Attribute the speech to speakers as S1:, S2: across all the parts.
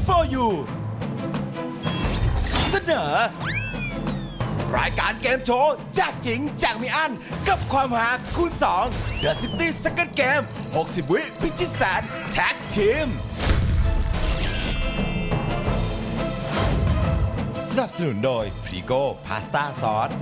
S1: for you เสนอรายการเกมโชว์แจกจริงแจกไม่อั้นกับความหาคูณ2 The City Second Game 60 วิพิชิตแสนแท็กทีมสนับสนุนโดยพรีโก้พาสต้าซอส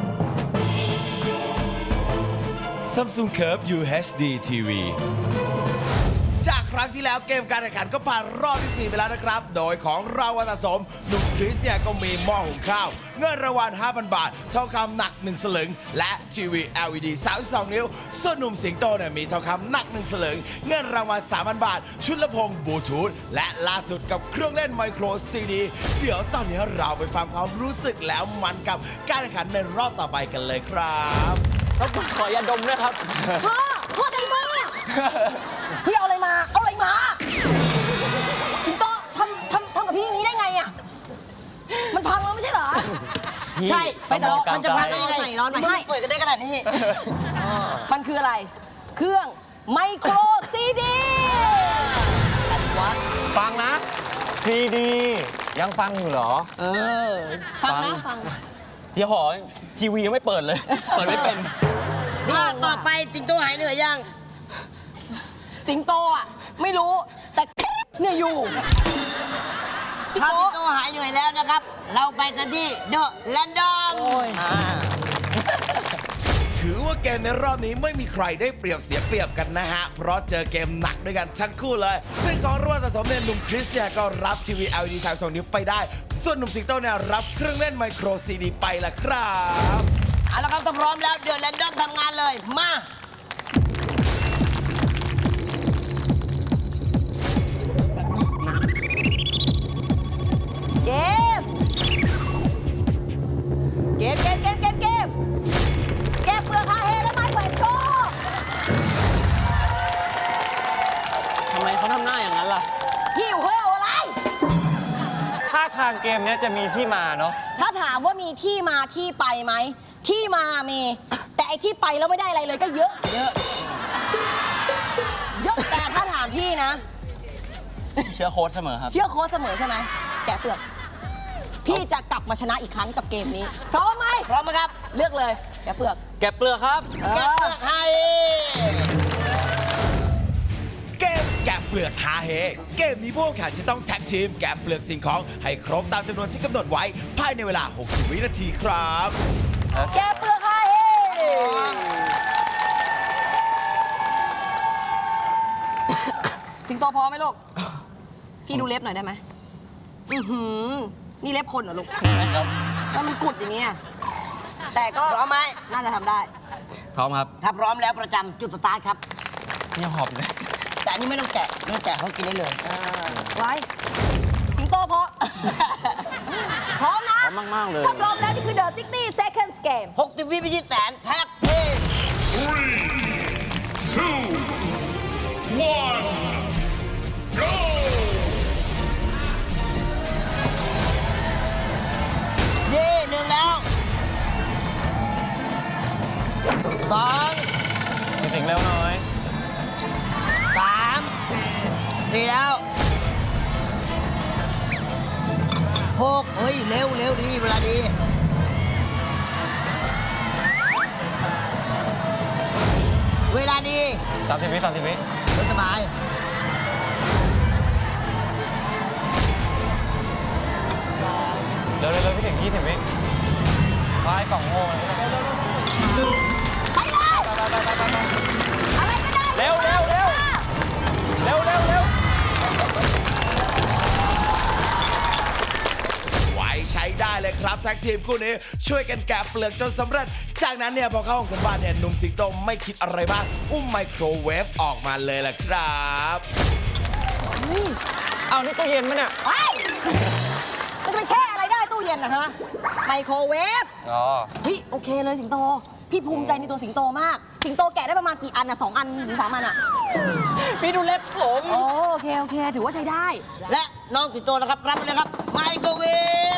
S1: Samsung Curve UHD TV จากครั้งที่แล้วเกมการแข่งขันก็ผ่านรอบที่ 4 ไปแล้วนะครับ โดยของรางวัลสะสมหนุ่มคริสเนี่ยก็มีหม้อหุงข้าว เงินรางวัล 5,000 บาท ทองคำหนัก 1 สลึง และทีวี LED 32 นิ้ว ส่วนหนุ่มสิงโตเนี่ยมีทองคำหนัก 1 สลึง เงินรางวัล 3,000 บาท ชุดลำโพงบลูทูธและล่าสุดกับเครื่องเล่นไมโครซีดีเดี๋ยวตอนนี้เราไปฟังความรู้สึกแล้วมันกับการแข่งขันในรอบต่อไปกันเลยครับ
S2: แล้วขอยาดมด้วยครับ
S3: พ่อใจมากพี่เอาอะไรมา เอาอะไรมาถึงโตทำกับพี่อย่างนี้ได้ไงอ่ะ มันพังแล้วไม่ใช่เหรอ
S2: พี่
S3: ใช่ ไปแต่
S2: ต้อง
S3: มันจะพังได้ยังไงร้อนไหมให้เปิดกันได้ขนาดนี้ มันคืออะไร เครื่องไมโครซีดี
S4: ฟังนะซีดียังฟังอยู่เหรอ
S3: ฟังนะฟัง
S2: ที่หอทีวียังไม่เปิดเลย เปิดไม่เป็น
S5: ต่อไปสิงโตหายเหนื่อยยัง
S3: สิงโตอ่ะ ไม่รู้แต่เนี่ยอยู่
S5: ถ้าสิงโตหายเหนื่อยแล้วนะครับ เราไปกันที่เดอะแลนดอม
S1: ถือว่าเกมในรอบนี้ไม่มีใครได้เปรียบเสียเปรียบกันนะฮะ เพราะเจอเกมหนักด้วยกันทั้งคู่เลย ซึ่งของรางวัลสะสมเนี่ยหนุ่มคริสเนี่ยก็รับทีวี LED 32 นิ้วไปได้ ส่วนหนุ่มสิงโตเนี่ยรับเครื่องเล่นไมโครซีดีไปละครับ
S5: เอาละครับถ้าพร้อมแล้วเดอะแลนดอมทำงานเลย มา
S3: เกม เกมแก้เปลือกฮาเฮและไม้แขวนโชว์
S2: ทำไมเขาทำหน้าอย่างนั้นล่ะ
S3: หิวเฮ้ยอะไร
S4: ถ้าทางเกมเนี้ยจะมีที่มาเนาะ
S3: ถ้าถามว่ามีที่มาที่ไปไหม ที่มามี แต่ไอ้ที่ไปแล้วไม่ได้อะไรเลยก็เยอะ เยอะแต่ถ้าถามพี่นะ
S2: เชื่อโค้ชเสมอครับ
S3: เชื่อโค้ชเสมอใช่ไหมแกะเปลือก พี่จะกลับมาชนะอีกครั้งกับเกมนี้ พร้อมไหม
S5: พร้อมไหมครับ
S3: เลือกเลยแกะเปลือก
S2: แกะเปลือกครับ
S5: แกะเปลือกให้
S1: เกมแกะเปลือกหาเฮเกมนี้พวกแข่งจะต้องแท็กทีมแกะเปลือกสิ่งของให้ครบตามจำนวนที่กำหนดไว้ภายในเวลา 60 วินาทีครับ
S3: แกะเปลือกฮาเฮสิงโตพร้อมไหมลูก พี่ดูเล็บหน่อยได้ไหมนี่เล็บคนเหรอลูก
S2: ครับ
S3: แล้วมันกุดอย่างเงี้ยแต่ก็
S5: พร้อมไหม
S3: น่าจะทำได้
S2: พร้อมครับ
S5: ถ้าพร้อมแล้วประจำจุดสตาร์ทครับ
S2: นี่หอบเลย
S5: แต่อันนี้ไม่ต้องแกะเขากินได้เลย
S3: ไว้สิงโตพร้อม พร้อมนะ
S2: พร้อมมากๆเลย
S3: ถ้าพร้อมแล้วนี่คือ The 60 Seconds Game
S5: 60 วิพิชิตแสนแท็กทีมนี่หนึ่งแล้วสอง
S4: มีถึงเร็วหน่อย
S5: สามสี่แล้วหกเฮ้ย เร็วดี เวลาดี เวลาดี
S4: 30 วิ 30 วิ
S5: ไม่สบาย
S4: เร็วพี่ถึง 20 วิพายกล่องโง่เลย
S3: ไปเลยอะไรก็ได้
S4: เร็ว
S1: ไว้ใช้ได้เลยครับแท็กทีมคู่นี้ช่วยกันแกะเปลือกจนสำเร็จ จากนั้นเนี่ยพอเข้าห้องสมบัติเนี่ยหนุ่มสิงโตไม่คิดอะไรบ้างอุ้มไมโครเวฟออกมาเลยล่ะครับ
S4: เอานี่ตู้เย็นมั้ยเนี่ย
S3: ไปมันจะไปแช่อะไรได้ตู้เย็นนะฮะ ไมโครเวฟ
S4: อ๋อ
S3: เฮ้ยโอเคเลยสิงโต พี่ภูมิใจในตัวสิงโตมาก สิงโตแกะได้ประมาณกี่อันอะ2 อันหรือ3 อันอะ
S2: พี่ดูเล็บผม
S3: โอเค ถือว่าใช้ได้
S5: และน้องสิงโตนะครับ รับไปเลยครับ ไมโครเวฟ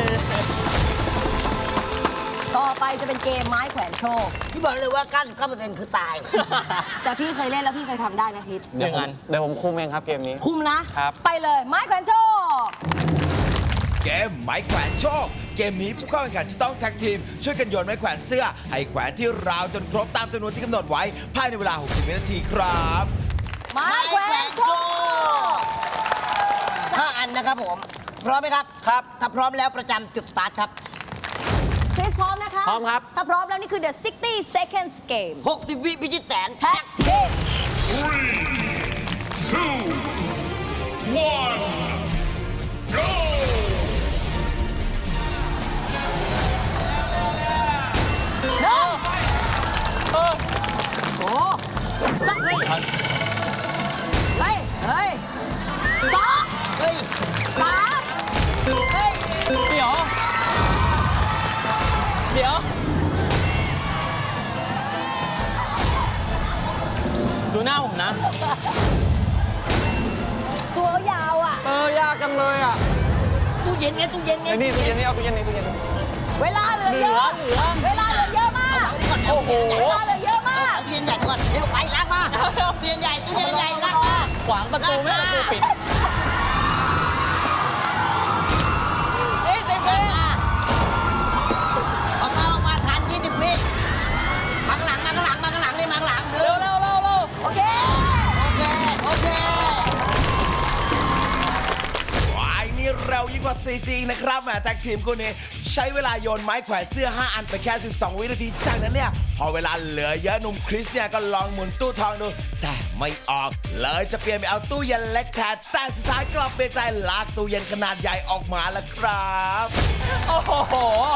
S3: ต่อไปจะเป็นเกมไม้แขวนโชค
S5: พี่บอกเลยว่า99%คือตาย
S3: แต่พี่เคยเล่นแล้วพี่เคยทำได้นะคิด
S4: เดี๋ยวผมคุมเองครับเกมนี้
S3: คุมนะ
S4: ครับ
S3: ไปเลยไม้แขวนโชค
S1: เกมไม้แขวนโชค เกมนี้ผู้เข้าแข่งขันจะต้องแท็กทีม ช่วยกันโยนไม้แขวนเสื้อ ให้แขวนที่ราวจนครบตามจำนวนที่กำหนดไว้ภายในเวลา 60 วินาทีครับ
S3: ไม้แขวนโชค
S5: 5 อันนะครับผม พร้อมไหมครับ
S4: ครับ
S5: ถ้าพร้อมแล้วประจำจุดสตาร์ทครับ
S3: คริสพร้อมนะคะ
S4: พร้อมครับ
S3: ถ้าพร้อมแล้วนี่คือ the 60 seconds game
S5: 60 วิพิชิตแสน
S3: แท็กทีม หนึ่งโอ้สักเฮ้ยเฮ้ยสอง
S5: เฮ้ย
S3: สามเฮ้ย
S2: เดี๋ยว ดูหน้าผมนะ
S3: ตัวยาวอ่ะ
S4: ยากจังเลยอ่ะ
S5: ตู้เย็นไงตู้เย็นไง
S4: นี่ตู้เย็นนี่เอาตู้เย็นนี่ตู้เย็น
S3: เวลาเหลือเยอะ
S2: เหลือ
S3: เวลาเหลือเยอะมาก
S5: โอ้โห
S3: เวลาเหลือเยอะมาก
S5: ตู้เย็นใหญ่ก่อนเร็วไปลากมาตู้เย็นใหญ่ตู้เย็นใหญ่ลากมา
S2: ขวางประตูไม่ให้ประตูปิด
S3: เอ๊ะเจ๊
S5: ออกมาทัน20 วิมาข้างหลังเลยมาข้างหลังเดิ
S2: เร็ว
S3: โอเค
S5: โอเค
S1: ว้ายนี่เร็วยิ่งกว่า 4G นะครับแหมจากทีมคู่นี้ใช้เวลาโยนไม้แขวนเสื้อ 5 อันไปแค่ 12 วินาที จากนั้นเนี่ย พอเวลาเหลือเยอะหนุ่มคริสเนี่ยก็ลองหมุนตู้ทองดู แต่ไม่ออก เลยจะเปลี่ยนไปเอาตู้เย็นเล็กแทนแต่สุดท้ายกลับเปลี่ยนใจลากตู้เย็นขนาดใหญ่ออกมาแล้วครับ
S2: โอ้โห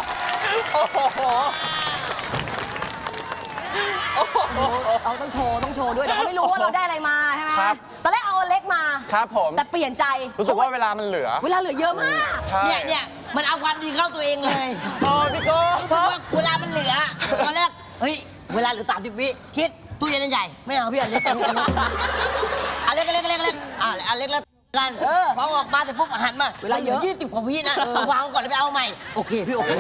S3: เราต้องโชว์ด้วยแต่เขาไม่รู้ว่าเราได้อะไรมาใช่ไหม
S4: ครับ
S3: ตอนแรกเอาอันเล็กมา
S4: ครับผม
S3: แต่เปลี่ยนใจ
S4: รู้สึกว่าเวลามันเหลือ
S3: เวลาเหลือเยอะมาก
S4: ใช่
S5: เนี่ยมันเอาความดีเข้าตัวเองเลย
S4: พี่โก้
S5: รู้สึกว่าเวลามันเหลือตอนแรกเฮ้ยเวลาเหลือ30 วิคิดตู้เย็นใหญ่ไม่เอาพี่อันเล็กอันเล็กอันเล็กอันเล็กอันเล็กแล้วกันพอออกมาเสร็จปุ๊บหันมา
S3: เวลาเยอะ
S5: 20 กว่าวินะวางก่อนแล้วไปเอาใหม่โอเคพี่โอเค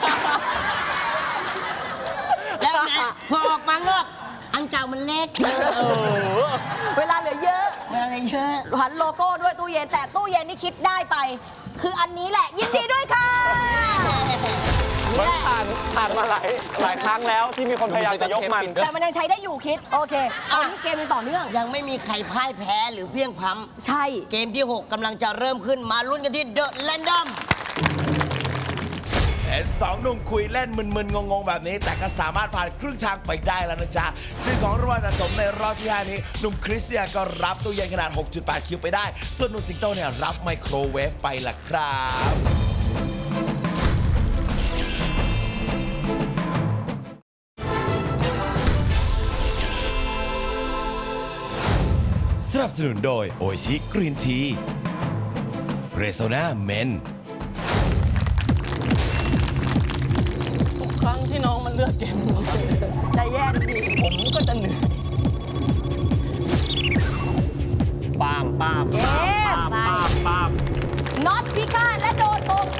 S5: แล้วไงพอออกมาข้างนอกอันเก่ามันเล็ก
S3: เวลาเหลือเยอะ
S5: มันอะไรเยอะ
S3: หันโลโก้ด้วยตู้เย็นแต่ตู้เย็นที่คิดได้ไป คืออันนี้แหละ ยินดีด้วยค่ะ
S4: มันผ่านมาหลายครั้งแล้วที่มีคนพยายามจะยกมัน
S3: แต่มันยังใช้ได้อยู่คิด โอเคตอนนี้เกมยังต่อเนื่อง
S5: ยังไม่มีใครพ่ายแพ้หรือเพลียงพล้
S3: ใช่
S5: ำเกมที่ 6กำลังจะเริ่มขึ้นมาลุ้นกันที่เดอะแรนดอม
S1: เห็นสองหนุ่มคุยเล่นมึนๆ งงๆ แบบนี้ แต่ก็สามารถผ่านครึ่งทางไปได้แล้วนะจ๊ะ ซึ่งของรางวัลสะสมในรอบที่ 5 นี้ หนุ่มคริสเนี่ยก็รับตู้เย็นขนาด 6.8 คิวไปได้ ส่วนหนุ่มสิงโตเนี่ยรับไมโครเวฟไปล่ะครับ สนับสนุนโดยโอชิกรีนทีเรโซนาเมน
S2: ทุกครั้งที่น้องมันเลือกเกม
S3: ใจแย่ดี
S2: ผมก็จะเหนื่อยปาม
S3: เกม น็อตพิฆาตและโดนโกง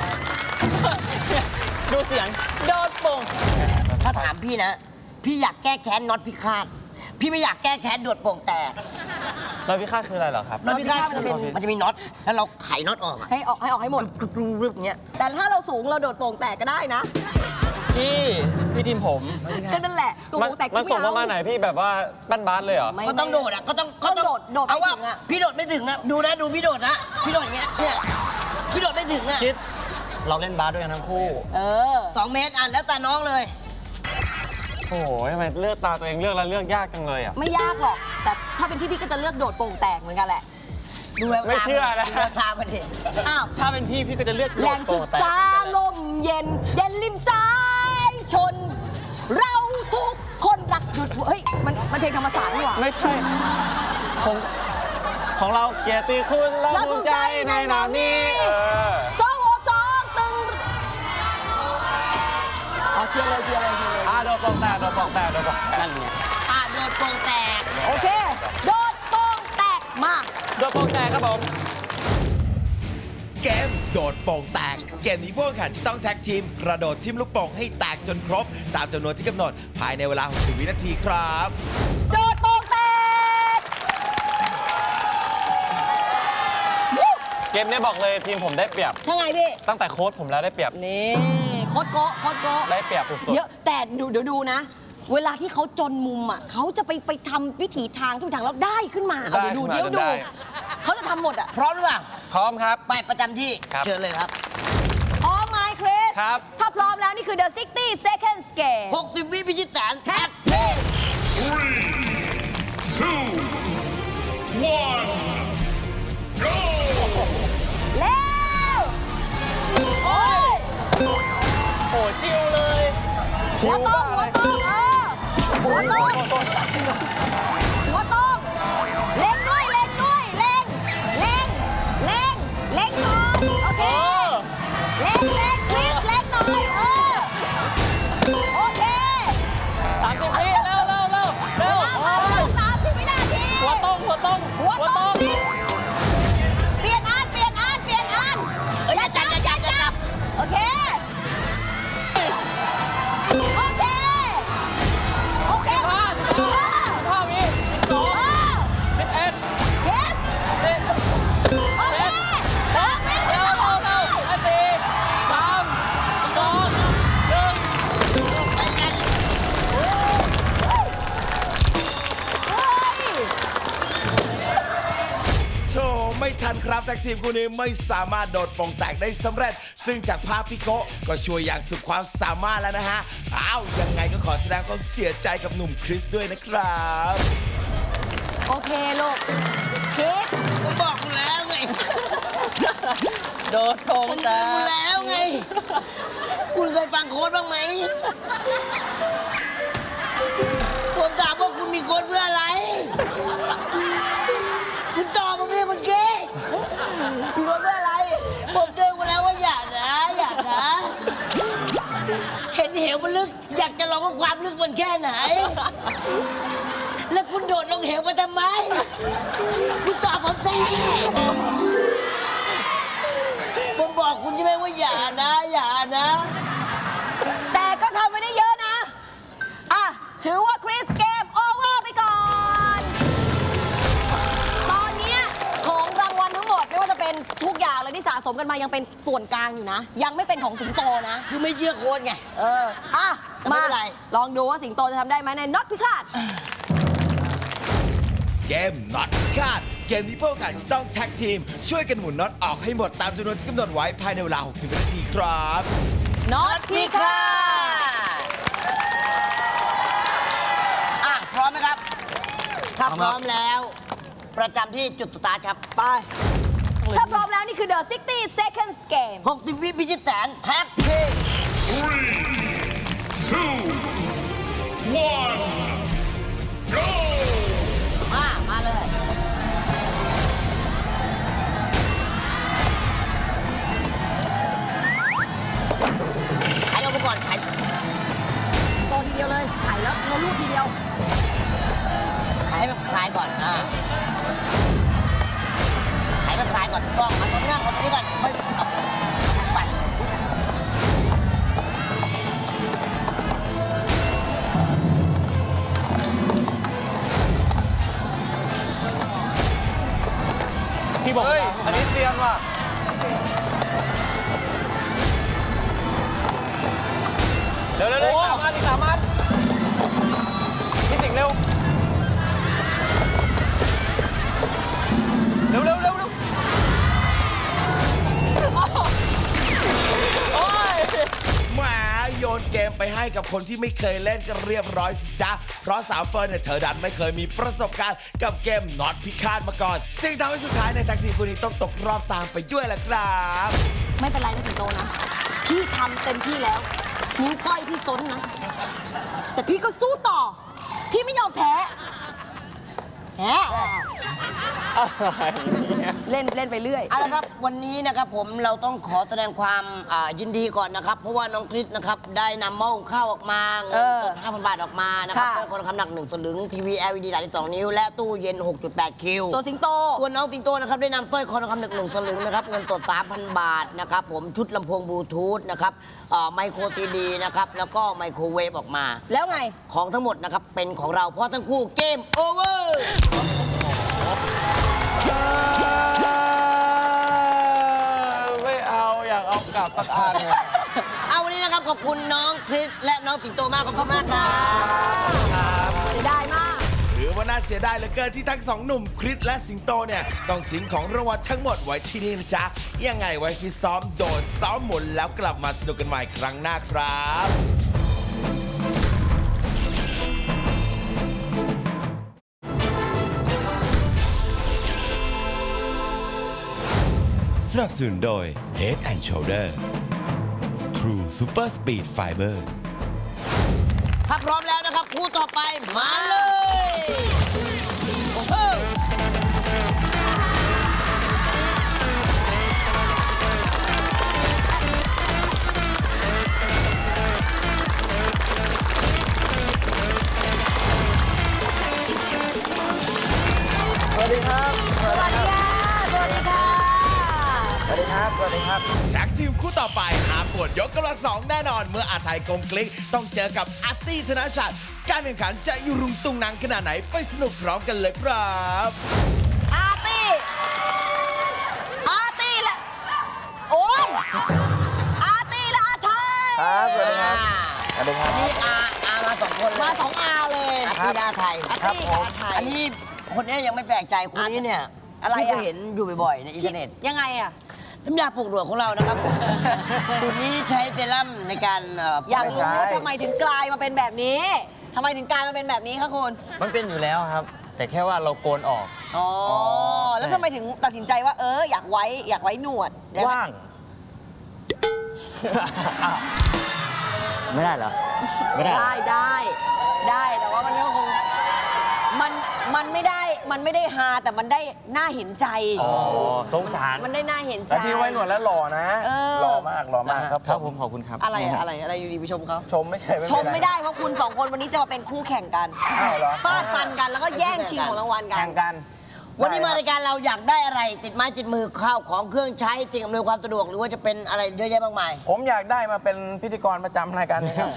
S2: ดูเสียงโดนโป่ง
S5: ถ้าถามพี่นะ พี่อยากแก้แค้นน็อตพิฆาตพี่ไม่อยากแก้แค้นโดดโป่งแตก
S4: แล้วพี่ค่าคืออะไรเหรอครับ
S5: น็อตพิฆาตมันจะมีน็อตแล้วเราไขน็อตออกอะ
S3: ให้ออกให้หมด
S5: รึบๆอย่างเงี้ย
S3: แต่ถ้าเราสูงเราโดดโป่งแตกก็ได้นะ
S2: พี่ทีมผม
S3: ก็นั่นแหละโป่งแตก
S4: มันส่งประมาณไหนพี่แบบว่าปั้นบาสเลยเหรอ
S5: ก็ต้องโดดอ่ะก็ต้อง
S3: โดด
S5: เอา
S3: ไม่
S5: ว่า
S3: ถึงอ่ะ
S5: พี่โดดไม่ถึงอ่ะดูนะดูพี่โดดนะพี่โดดอย่างเงี้ยเนี่ยพี่โดดไม่ถึงอ่ะ
S2: คิด เราเล่นบาสด้วยกันทั้งคู่
S3: เออ
S5: 2 เมตรอ่ะแล้วแต่น้องเลย
S4: โอ้โหทำไมเลือกตาตัวเองเลือกแล้วเลือกยากจังเลยอ่ะ
S3: ไม่ยากหรอก แต่ถ้าเป็นพี่ก็จะเลือกโดดโป่งแตกเหมือนกันแหละ
S5: ดูแววตา
S4: ไม่เชื่อนะ
S5: ดูแววตามันดิ
S3: อ้าว
S2: ถ้าเป็นพี่ก็จะเลือก
S3: แหล่งศึกษาลมเย็น เย็นริมสายชน เราทุกคนรักหยุดเฮ้ยมันเพลงธรรมศาสตร์นี่หว่า
S4: ไม่ใช่ผมของเราเกียรติคุณและภูมิใจในนามนี้
S3: สองหัวสองตึงเอาเชียร์เลย
S4: โดนปองแตก
S2: นั่นไง
S5: อ่ะโดดโป่งแตก
S3: โอเค โดดโป่งแตกมา
S4: โดนปองแตกครับผม
S1: เกมโดดโป่งแตก เกมนี้ผู้แข่งขันจะต้องแท็กทีม กระโดดทิ่มลูกโป่งให้แตกจนครบ ตามจำนวนที่กำหนดภายในเวลา 60 วินาทีครับ
S3: โดดโป่งแตกวู้
S4: เกมนี้บอกเลยทีมผมได้เปรียบ
S3: ยังไงพี่
S4: ตั้งแต่โค้ชผมแล้วได้เปรียบ
S3: นี่โคตรโกะโคตรโกะ
S4: ได้เปรียบสุด
S3: เยอะแต่เดี๋ยวดูนะ เวลาที่เขาจนมุมอ่ะเขาจะไปทำวิถีทางทุกทางแล้วได้ขึ้นมาเอาเดี๋ยวดูเดี๋ยวดูเขาจะทำหมดอ่ะ
S5: พร้อมหรือเปล่า
S4: ๆพร้อมครับ
S5: ไปประจำที่
S4: ครับ
S5: เชิญเลยครับ
S3: พร้อมไหมคริส
S4: ครับ
S3: ถ้าพร้อมแล้วนี่คือ The 60 Seconds Game
S5: 60 วิพิชิตแสนแท็กเฮ้ย
S3: เร็วโอ้ย
S4: โอ้ชิวเลย ชิ
S3: หัว
S4: ว
S3: ต้
S4: บ้าม
S3: หัว
S4: เลย
S3: ต้มหัวต้มเล็งด้วยเล็งด้วยเล็งก่อนโอเคเล็งคริสเล็งหน่อยโอเค
S2: 30 วิเร็วเร็วเร็วเร็ว
S3: 30 วินาที
S2: หัวต้ม
S3: หัวต้มเปลี่ยนอัน
S5: เอ้ยอย่าจับ
S3: โอเคโอเค
S2: 5 วิ 2 11
S3: โอเคสามวิ
S2: เร็วเร็วเร็ว4 3
S1: โชว์ไม่ทันครับแท็กทีมคู่นี้ไม่สามารถโดดโป่งแตกได้สำเร็จ ซึ่งจากภาพพี่โกะก็ช่วยอย่างสุดความสามารถแล้วนะฮะอ้าวยังไงก็ขอแสดงความเสียใจกับหนุ่มคริสด้วยนะครับ
S3: โอเคลูกคิด
S5: ผมบอกคุณแล้วไง
S2: โดดโคง
S5: ผม
S2: ตา
S5: เตือนคุณแล้วไง คุณเคยฟังโค้ดบ้างไหม ผมถามว่าคุณมีโค้ดเพื่ออะไร คุณตอบผมเรียกคนเก้
S3: คุณรู้เพื่ออะไร
S5: ผมเตือนคุณแล้วว่าอย่านะ เห็นเหวมันลึก อยากจะลองว่าความลึกมันแค่ไหน แล้วคุณโดดลงเหวมาทำไม คุณตอบผมสิผมบอกคุณใช่ไหมว่าอย่านะ
S3: แต่ก็ทำไม่ได้เยอะนะ อ่ะ ถือว่าคริสเกมโอเวอร์ไปก่อน ตอนเนี้ยของรางวัลทั้งหมดไม่ว่าจะเป็นทุกอย่างเลยที่สะสมกันมายังเป็นส่วนกลางอยู่นะ ยังไม่เป็นของสิงโตนะ
S5: คือไม่เชื่อโค้ดไง
S3: อ่ะ
S5: ไม่
S3: มา
S5: เป็นไร
S3: ลองดูว่าสิงโตจะทำได้ไหมในน็อตพิฆาต
S1: เกมน็อตคาดเกมนี้พวกกันจะต้องแท็กทีม ช่วยกันหมุนน็อตออกให้หมดตามจำนวนที่กำหนดไว้ภายในเวลา 60 วินาทีครับ
S3: น็อตพิฆาต
S5: อ่ะ พร้อมไหมครับ ถ้าพร้อมแล้ว ประจำที่จุดสตาร์ทครับ
S3: ไป ถ้าพร้อมแล้วนี่คือ The 60 Seconds Game
S5: 60 วิพิชิตแสนแท็กทีมมาเลย ไขลงไปก่อนไข
S3: โตทีเดียวเลยถ่ายแล้วเราลูดทีเดียว
S5: ไขให้มันคลายก่อนไขให้มันคลายก่อนต้องมาตรงนี้นะมาตรงนี้ก่อนค่อยเอาไป
S2: ที่บอก
S4: เฮ้ย อันนี้เซียนว่ะ เร็วๆอีกสามอันพี่สิงห์เร็ว เร็วๆ
S2: โอ้ย
S1: แหมโยนเกมไปให้กับคนที่ไม่เคยเล่นก็เรียบร้อยสิจ๊ะ เพราะสาวเฟิร์นเนี่ยเธอดันไม่เคยมีประสบการณ์กับเกมน็อตพิฆาตมาก่อน จึงทำให้สุดท้ายในแท็กทีมคนนี้ต้องตกรอบตามไปด้วยแหละครับ
S3: ไม่เป็นไรนะสิงโตนะ พี่ทำเต็มที่แล้วนิ้วก้อยพี่ซนนะ แต่พี่ก็สู้ต่อ พี่ไม่ยอมแพ้แหม เล่นไปเรื่อย
S5: เอาละครับวันนี้นะครับผมเราต้องขอแสดงความยินดีก่อนนะครับ เพราะว่าน้องคริสนะครับได้นำหม้อหุงข้าวออกมาเงินสด 5,000 บาทออกมานะครับ
S3: ค่ะ
S5: เป็นคนละคำหนัก1สลึงทีวี LED 32 นิ้ว และตู้เย็น 6.8 คิว
S3: โซสิงโต
S5: ส่วนน้องสิงโตนะครับได้นำสร้อยคอทองคำหนัก1สลึงนะครับเงินสด 3,000 บาทนะครับผมชุดลำโพงบลูทูธนะครับไมโครซีดีนะครับแล้วก็ไมโครเวฟออกมา
S3: แล้วไง
S5: ของทั้งหมดนะครับเป็นของเราเพราะทั้งคู่เกมโอเวอร์
S4: บสักอันเนี่ย
S5: เอาวันนี้นะครับขอบคุณน้องคริสและน้องสิงโตมากขอบคุณมากครับ
S3: เสียดายมาก
S1: ถือว่าน่าเสียดายเหลือเกินที่ทั้งสองหนุ่มคริสและสิงโตเนี่ยต้องทิ้งของรางวัลทั้งหมดไว้ที่นี่นะจ๊ะ ยังไงไว้ฟิตซ้อมโดดซ้อมหมุนแล้วกลับมาสนุกกันใหม่ครั้งหน้าครับสนับสนุนโดย Head and Shoulder True Super Speed Fiber
S5: ถ้าพร้อมแล้วนะครับคู่ต่อไปมาเลย โอ้โห
S4: สวัสดีครับ
S3: สวัสดีค่ะ สวัสดีค่ะ
S4: สวัสดีครับ สวัสดีครับ
S1: แท็กทีมคู่ต่อไปหาปวดยกกำลังสองแน่นอน เมื่ออาไทยกลมกลิกต้องเจอกับอาร์ตี้ธนชัดการแข่งขันจะยุรุงตุงนังขนาดไหนไปสนุกพร้อมกันเลยครับ
S3: อาร์ตี้และ โอ้ยอาร์ตี้และอาไทย
S4: ครับ สวัสดีครับ สวัสดีครับ
S5: นี่อามาสองคนเลย
S3: มาสองอาเลย
S5: อาที่ดาไทย
S3: อาร์ตี้กับอาไทย
S5: อันนี้คนนี้ยังไม่แปลกใจคนนี้เนี่ย
S3: อะไรอะ
S5: ที่ก็เห็นอยู่บ่อยๆในอินเทอร์เน็ต
S3: ยังไงอะ
S5: น้ำยาปลุกหนวดของเรานะครับสูตรนี้ใช้เซรั่มในการ
S3: อยาก
S5: ปลุ
S3: รู้
S5: ก
S3: ว่าทำไมถึงกลายมาเป็นแบบนี้ทำไมถึงกลายมาเป็นแบบนี้คะคุณ
S4: มันเป็นอยู่แล้วครับ แต่แค่ว่าเราโกนออก
S3: อ๋อ แล้วทำไมถึงตัดสินใจว่าอยากไว้หนวด
S4: ว่าง ไม่ได้เหรอ ไม่ได้
S3: ได้แต่ว่ามันก็คงมันไม่ได้ฮาแต่มันได้น่าเห็นใจ
S4: อ๋อ สงสาร
S3: มันได้น่าเห็นใจ
S6: แต่พี่ไว้หนวดแล้วหล่อนะ
S3: เออ
S6: หล่อมากครับ
S4: ครับผมขอบคุณครับ
S3: อะไรอยู่ดีไปชมเขา
S6: ชมไม่ใช่
S3: ชมไม่ได้เพราะคุณสองคนวันนี้จะมาเป็นคู่แข่งกัน
S6: อ้าวเหรอ
S3: ฟาดฟันกันแล้วก็แย่งชิงของรางวัลกัน
S6: แข่งกัน
S5: วันนี้มารายการเราอยากได้อะไร ติดไม้ติดมือข้าวของเครื่องใช้สิ่งอำนวยความสะดวกหรือว่าจะเป็นอะไรเยอะแยะมากมาย
S6: ผมอยากได้มาเป็นพิธีกรประจำรายการนี้ครับ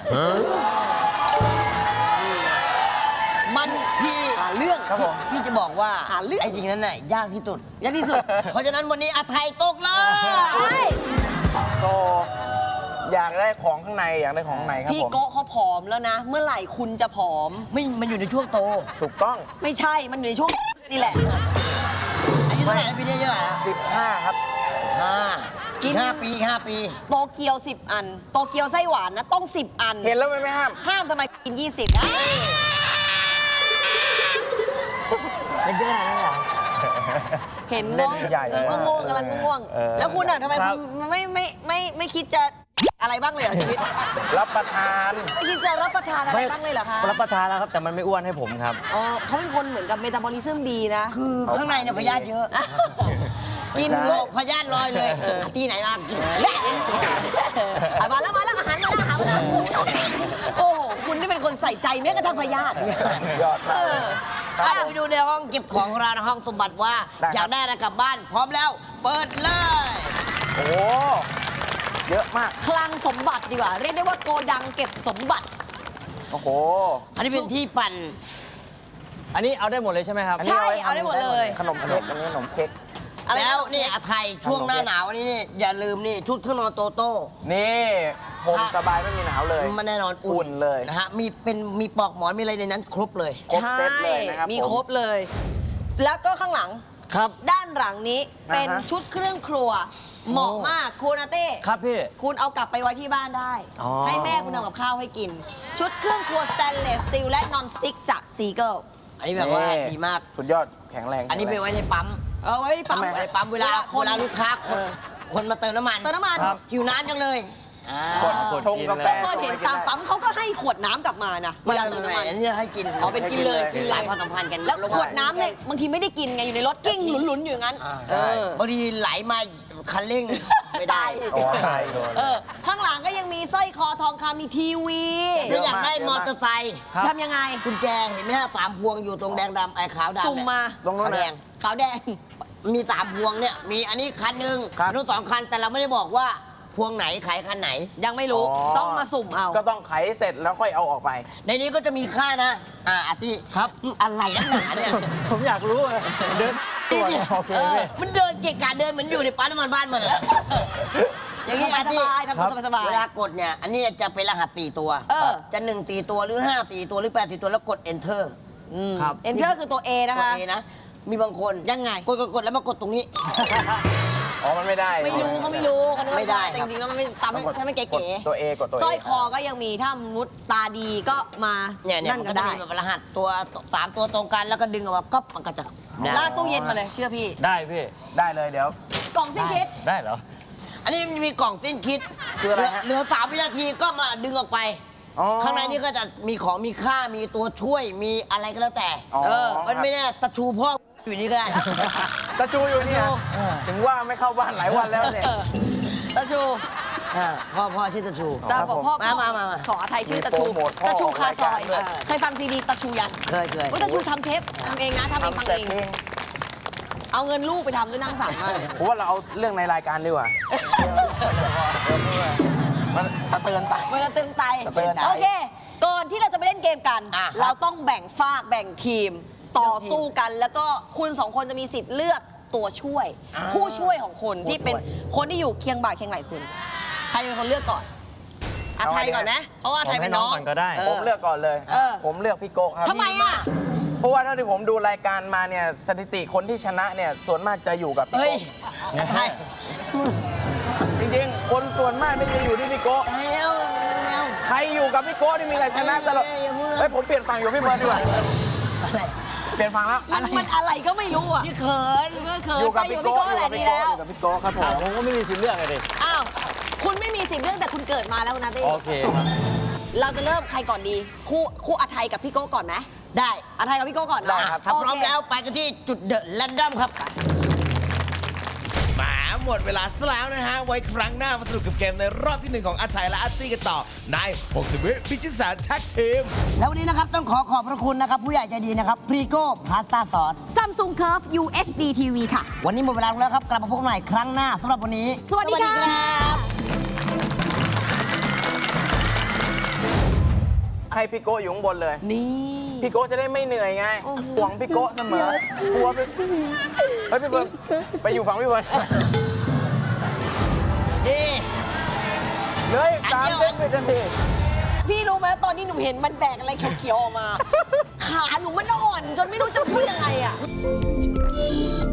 S3: มัน
S5: พี่
S3: หาเรื่อง
S6: ครับผม
S5: พี่จะบอกว่า
S3: หาเรื่อง
S5: ไอ้สิ่งนั้นน่ะยากที่สุด
S3: ยากที่สุด
S5: เพราะฉะนั้นวันนี้อาไทยตกเล
S3: เฮ้
S5: ย
S3: ย
S6: ก็อยากได้ของข้างในอยากได้ของข้างในครับ
S3: พี่
S6: ผม
S3: โกะเขาผอมแล้วนะ เมื่อไหร่คุณจะผอม
S5: ไม่มันอยู่ในช่วงโต
S6: ถูกต้อง
S3: ไม่ใช่มันอยู่ในช่วงนี่แหละ
S5: อายุเท่าไหร่นะปีนี้อายุเท่าไหร่ฮะ
S6: 15 ครับ
S3: กิน
S5: 5 ปี5 ปี
S3: โตเกียว 10 อัน โตเกียวไส้หวานนะต้อง 10 อัน
S6: เห็นแล้วไม่ห้าม
S3: ห้ามทำไมกิน 20นะ
S5: เป็นเยอะขนาดนั้นเหรอ
S3: เห็น
S6: เล่น
S3: เนาะ
S6: ใหญ่
S3: ง่วงๆกำลังง่วงๆแล้วคุณอ่ะทำไม
S4: ครับ
S3: คุณไม่คิดจะอะไรบ้างเลยเหรอชีวิต
S6: รับประทาน
S3: ไม่คิดจะรับประทานอะไรบ้างเลยเหรอคะ
S4: รับประทานแล้วครับ แต่มันไม่อ้วนให้ผมครับ
S3: เขาเป็นคนเหมือนกับเมตาบอลิซึมดีนะ
S5: คือข้างในเนี่ยพยาธิเยอะ
S3: กิน
S5: โรคพยาธิลอยเลยที่ไหนมากิน
S3: มาแล้วอาหารมาแล้วโอ้โหคุณนี่เป็นคนใส่ใจแม้กระทั่งพยาธิ
S6: ยอดมาก
S5: เอาไปดูในห้องเก็บของของเราในห้องสมบัติว่า
S6: ได้ครับ
S5: อยากได้อะไรกลับบ้าน พร้อมแล้ว เปิดเลย
S6: โอ้โหเยอะมาก
S3: คลังสมบัติดีกว่า เรียกได้ว่าโกดังเก็บสมบัติ
S6: โอ้โห
S5: อันนี้เป็นที่ปั่น
S4: อันนี้เอาได้หมดเลยใช่ไหมครับ
S3: ใช่ เอาได้หมดเลย
S6: ขนมเค้กอันนี้ขนมเค้ก
S5: แล้วนี่อาไทยช่วงหน้าหนาวอันนี้นี่อย่าลืมนี่ชุดเครื่องนอนโตโต้
S6: นี่ผมสบายไม่มีหนาวเลย
S5: มันแน่นอน
S6: อุ่นเลย
S5: นะฮะมีปลอกหมอนมีอะไรในนั้นครบเลย
S6: ครบเซตเลยนะครับ
S3: มีครบเลย แล้วก็ข้างหลัง
S4: ครับ
S3: ด้านหลังนี้เป็น
S6: อ่าฮะ
S3: ชุดเครื่องครัว เหมาะมากคุณอาเต้
S4: ครับพี่
S3: คุณเอากลับไปไว้ที่บ้านได้
S4: อ๋อ
S3: ให้แม่คุณทำกับข้าวให้กิน ชุดเครื่องครัวสแตนเลสสตีลและนอนสติ๊กจากซีเกิล
S5: อันนี้แบบว่าดีมาก
S6: สุดยอดแข็งแรง
S5: อันนี้ไปไว้ในปั๊ม
S3: เอาไว้ที่ปั๊ม
S5: ไว้ในปั๊มเวลาลูกค้าคนมาเติมน้ำมัน
S3: เติมน้ำมัน
S4: ครับ
S5: หิวน้ำจังเลย
S6: กด
S4: กด
S6: ชง
S4: กิน
S6: กาแฟ
S4: เลย
S3: เคยเห็นตามปั๊มเขาก็ให้ขวดน้ำกลับมานะเว
S5: ไม่
S3: ลาเติมน้ำมัน
S5: อันนี้ให้กิน
S3: อ๋อเป็นกินเลยกิน
S5: ห
S3: เล
S5: ลาย
S3: ย
S5: ความสัมพันธ์กัน
S3: แล้วขวดน้ำเนี่ยบางทีไม่ได้กินไงอยู่ในรถกิ้งหลุนๆอยู่อย่างนั้น เออ
S5: บางทีไหลมาคันเร่งไม่ได้
S6: โอ้ใช่
S3: ข้างหลังก็ยังมีสร้อยคอทองคำมีทีวี
S5: ถ้าอยากได้มอเตอร์ไซค์
S4: ครับ
S3: ทำยังไง
S5: กุญแจเห็นไหมฮะ3 พวงอยู่ตรงแดงดำไอ้ขาวดำ
S3: สุ่มมา
S5: ตรงนู้นแดง
S3: ขาวแดง
S5: มี 3 พวงเนี่ยมีอันนี้คันหนึ่งนู้น2 คันแต่เราไม่ได้บอกว่าพวงไหนขายคันไหน
S3: ยังไม่รู้ต้องมาสุ่มเอา
S6: ก็ต้องไขเสร็จแล้วค่อยเอาออกไป
S5: ในนี้ก็จะมีค่านะอาร์ตี้
S4: ครับ
S5: อะไรนักหนาเนี่ย
S4: ผมอยากรู้อะเดินตรวจโอเคพี่
S5: มันเดินเกะกะเดินเหมือนอยู่ในปั๊มน้ำมันบ้านมันอะอย่างนี้
S3: สบายๆทำตัวสบาย
S5: เวลากดเนี่ย อันนี้จะเป็นรหัส 4 ตัว จะ1 4 ตัวหรือ 5 4 ตัวหรือ 8 4 ตัวแล้วกด enter ครับ
S3: Enter คือตัว A นะ
S5: กด
S3: คะ
S5: A นะ มีบางคน
S3: ยังไง
S5: กดแล้วมากดตรงนี้
S6: อ๋อ มันไม่ได้
S3: ไม่รู้เขาไม่รู้เขานึก
S5: ไม่
S3: ว่า
S5: ได้
S3: แต่
S5: ครับ
S3: จริงๆแล้วมันไม่ตามให้ไม่เก๋
S6: กดตัว A กดตัว A
S3: สร้อยคอก็ยังมีถ้ามุดตาดีก็มา
S5: เนี่ย
S3: นั่น
S5: มัน
S3: ก็
S5: ก็จะ
S3: ได้
S5: มีแบบรหัสตัว 3 ตัวตรงกันแล้วก็ดึงออกมาก๊อปมันก็จะได้
S3: ลากตู้เย็นมาเลยเชื่อพี่
S4: ได้พี่
S6: ได้เลยเดี๋ยว
S3: กล่องสิ้นคิด
S4: ได้เหรอ
S5: อันนี้มันมีกล่องสิ้นคิด
S6: คืออะไรฮะ
S5: เหลือ3 วินาทีก็มาดึงออกไป
S6: อ๋อ
S5: ข้างในนี่ก็จะมีของมีค่ามีตัวช่วยมีอะไรก็แล้วแต่
S6: อ๋อ
S5: มันไม่แน่ตะชูพ่ออยู่นี่ก็ได้
S6: ตะชูอยู่เนี่ย
S3: ตะชู
S6: ถึงว่าไม่เข้าบ้านหลายวันแล้วเนี่ย
S3: ตาชู
S5: พ่อชื่อตะชู
S3: ตาบอกพ่อ
S5: มา
S3: ขออาไทยชื่อตาชู
S6: มีโปรโมทพ่อ
S3: ตาชูคาซอย
S6: รายการด้วย
S3: เคยฟังซีดีตาชูยัง
S5: เคย
S3: เฮ้ยตาชูทำเทปทำเองนะทำเองฟัง
S6: แต่
S3: เอง
S6: เพลง
S3: เอาเงินลูกไปทำด้วยนั่งสั่งมากเลย
S6: ผมว่าเราเอาเรื่องในรายการดีกว่ามันตะเตือนตา
S3: มันจะตึงไต
S6: จะตึงไต
S3: โอเค ก่อนที่เราจะไปเล่นเกมกัน
S5: อ่ะ
S3: เราต้องแบ่งฝากแบ่งทีม ต่อสู้กัน แล้วก็คุณสองคนจะมีสิทธิ์เลือกตัวช่วย ผู้ช่วยของคุณที่เป็นคนที่อยู่เคียงบ่าเคียงไหล่คุณ ใครเป็นคนเลือกก่อนอาไทยก่อนนะเพราะว่าอาไทยเป็นน้อง
S4: ผมให้น้องก่อนก็ได้
S6: ผมเลือกก่อนเลย
S3: เออ
S6: ผมเลือกพี่โกะครับ
S3: ทำไมอ่ะ
S6: เพราะว่าเท่าที่ผมดูรายการมาเนี่ยสถิติคนที่ชนะเนี่ยส่วนมากจะอยู่กับพี่
S5: เฮ้ย
S6: โกะ
S5: ใช่
S6: จริงๆ คนส่วนมากนี่จะอยู่ที่พี่โกะ
S5: แล้ว
S6: ใครอยู่กับพี่โกะนี่มีแต่ชนะตลอด
S5: อย่าพูดนะ
S6: เฮ้ยผมเปลี่ยนฝั่งอยู่พี่เบิร์ดดีกว่า
S5: อะไร
S6: เปลี่ยนฝั่งแล้ว
S3: มันอะไรก็ไม่รู้อ่ะ
S5: พี่เขิน
S3: เมื่อเขิน
S6: อยู่
S3: ไป
S6: กับ
S3: อยู่
S6: พี่
S3: กับพี่
S6: โกะ
S3: โก้แหละดีแล้ว
S6: อยู่กับพี่โกะครับผม
S4: ผมก็ไม่มีสิทธิ์เลือกเลยดิ
S3: อ้าวคุณไม่มีสิทธิ์เลือกแต่คุณเกิดมาแล้วนะตี้
S4: โอเคครับ
S3: เราจะเริ่มใครก่อนดี คู่อาไทยกับพี่โก้ก่อนไหม
S5: ได้
S3: อาไทยกับพี่โก้ก่อน
S6: ได้
S3: เนาะ
S6: ครับ
S5: ถ้าพร้อม
S3: โเค
S5: แล้วไปกันที่จุดเดอะแรนดอมครับ
S1: แหมหมดเวลาซะแล้วนะฮะ ไว้ครั้งหน้ามาสนุกกับเกมในรอบที่ 1 ของอาชัยและอาร์ตี้กันต่อใน60 วิพิชิตแสนแท็กทีม
S5: แล้ววันนี้นะครับต้องขอขอบพระคุณนะครับ ผู้ใหญ่ใจดีนะครับพรีโก้พาสต้าซอส
S3: Samsung Curve UHD TV ค่ะ
S5: วันนี้หมดเวลาแล้วครับ กลับมาพบกันใหม่ครั้งหน้าสำหรับวันนี้
S3: สวัสดีค่ะ
S5: รับ
S6: ให้พี่โกะอยู่ข้างบนเลย
S3: นี่
S6: พี่โกะจะได้ไม่เหนื่อยไงห่วงพี่โกะเสมอกลัวพี่เฮ้ยพี่เบิร์ดไปอยู่ฝั่งพี่เบิร์ด
S5: ดี
S6: เหลย3 เซนวินาที
S3: พี่รู้ไหมตอนนี้หนูเห็นมันแบกอะไรเขียวๆออกมา ขาหนูมันอ่อน จนไม่รู้จะพูดยังไงอ่ะ